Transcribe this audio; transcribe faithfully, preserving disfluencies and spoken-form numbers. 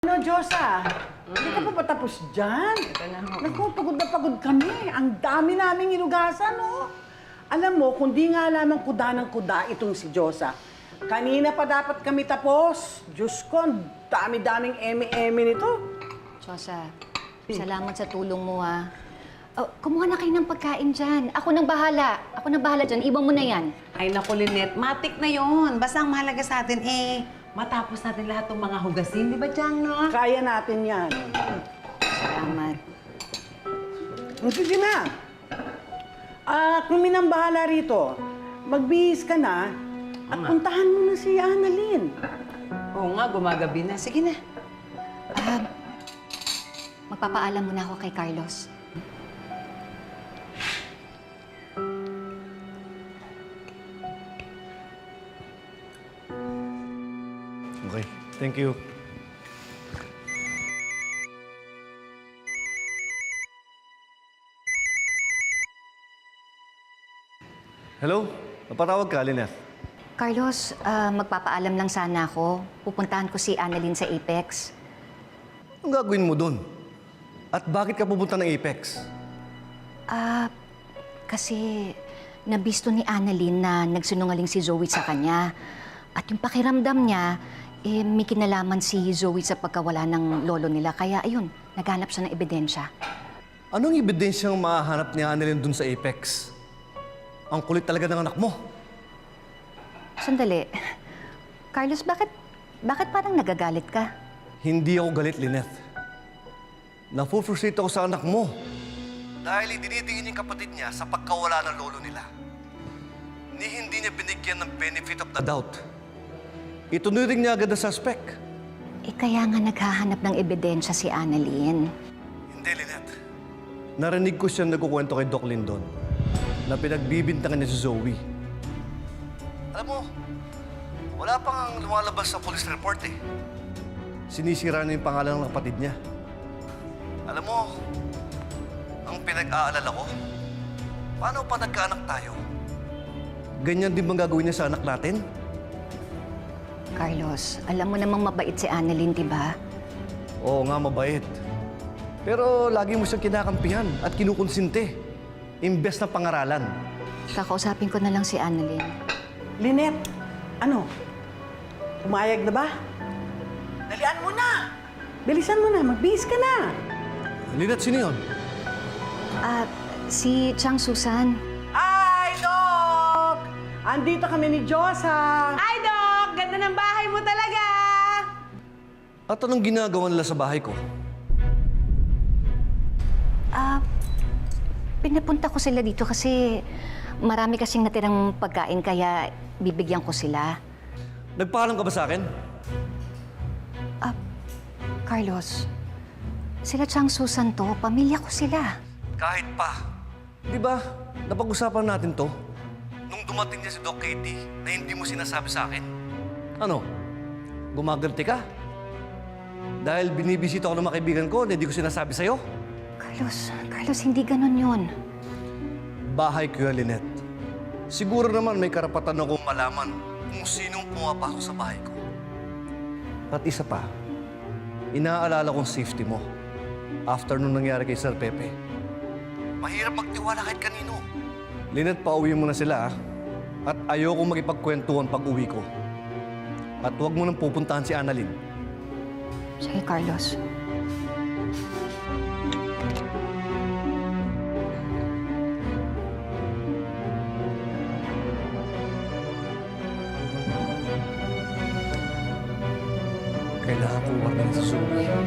Ano, Diyosa? Hindi ka pa patapos dyan? Ito na ho. Naku, pagod na pagod kami. Ang dami naming inugasan, no? Alam mo, kung di nga lamang kuda ng kuda itong si Diyosa, kanina pa dapat kami tapos. Diyos ko, ang dami-daming eme-eme nito. Chosa, salamat sa tulong mo, ha. Oh, kumuha na kayo ng pagkain dyan. Ako nang bahala. Ako nang bahala dyan. Iwan mo na yan. Ay, naku, Lynette, matik na yon. Basta ang mahalaga sa atin, eh, matapos natin lahat ng mga hugasin. Di ba, Chang, no? Kaya natin yan. Salamat. Sige na. Ah, kami nang bahala rito. Magbihis ka na at puntahan mo na si Annalyn. Oo nga, gumagabi na. Sige na. Ah, magpapaalam muna ako kay Carlos. Okay, thank you. Hello? Napatawag ka, Lynette? Carlos, ah, magpapaalam lang sana ako. Pupuntahan ko si Annalyn sa Apex. Anong gagawin mo dun? At bakit ka pupunta ng Apex? Ah, kasi nabisto ni Annalyn na nagsinungaling si Zoe sa kanya. At yung pakiramdam niya, eh, may kinalaman si Zoe sa pagkawala ng lolo nila. Kaya ayun, naghanap siya ng ebidensya. Anong ebidensyang mahanap niya Annalyn dun sa Apex? Ang kulit talaga ng anak mo. Sandali. Carlos, bakit, bakit parang nagagalit ka? Hindi ako galit, Lynette. Nafu-frustrate ako sa anak mo. Dahil idinitingin yung kapatid niya sa pagkawala ng lolo nila. Ni hindi niya binigyan ng benefit of the doubt. Itunuring niya agad na suspect. Eh, kaya nga naghahanap ng ebidensya si Annalyn. Hindi, Lynette. Narinig ko siya nagkukwento kay Doc Lindon na pinagbibintangan niya si Zoe. Alam mo, wala pang lumalabas sa police report eh. Sinisira na yung pangalan ng kapatid niya. Alam mo, ang pinag-aalala ko, paano pa nagkaanak tayo? Ganyan din bang gagawin niya sa anak natin? Carlos, alam mo namang mabait si Annalyn, di ba? Oo nga, mabait. Pero lagi mo siyang kinakampihan at kinukonsinte. Imbes na pangaralan. Kakausapin ko na lang si Annalyn. Lynette, ano? Pumayag na ba? Dalian mo na! Bilisan mo na, magbihis ka na! Lynette, sino yun? Ah, si Chang Susan. Hi, Doc! Andito kami ni Diyosa. Ay, Doc! Ganda ng bahay mo talaga! At anong ginagawa nila sa bahay ko? Ah, pinapunta ko sila dito kasi marami kasing natirang pagkain kaya bibigyan ko sila. Nagpaalam ka ba sa akin? Ah, Carlos, sila Chang Susan to, pamilya ko sila. Kahit pa. Di ba, napag-usapan natin to nung dumating niya si Doc Katie na hindi mo sinasabi sa akin. Ano? Gumaganti ka? Dahil binibisita ako ng mga kaibigan ko na hindi ko sinasabi sa'yo? Carlos, Carlos, hindi ganun yun. Bahay ko yan, Lynette. Siguro naman may karapatan akong malaman kung sinong pumapasok sa bahay ko. At isa pa, inaalala kong safety mo after nung nangyari kay Sir Pepe. Mahirap magtiwala kahit kanino. Lynette, pauwi mo na sila, ah. At ayokong makipagkwentuhan pag uwi ko. At huwag mo nang pupuntahan si Annalyn. Sige, Carlos. Kailangan kong warning si Zoe.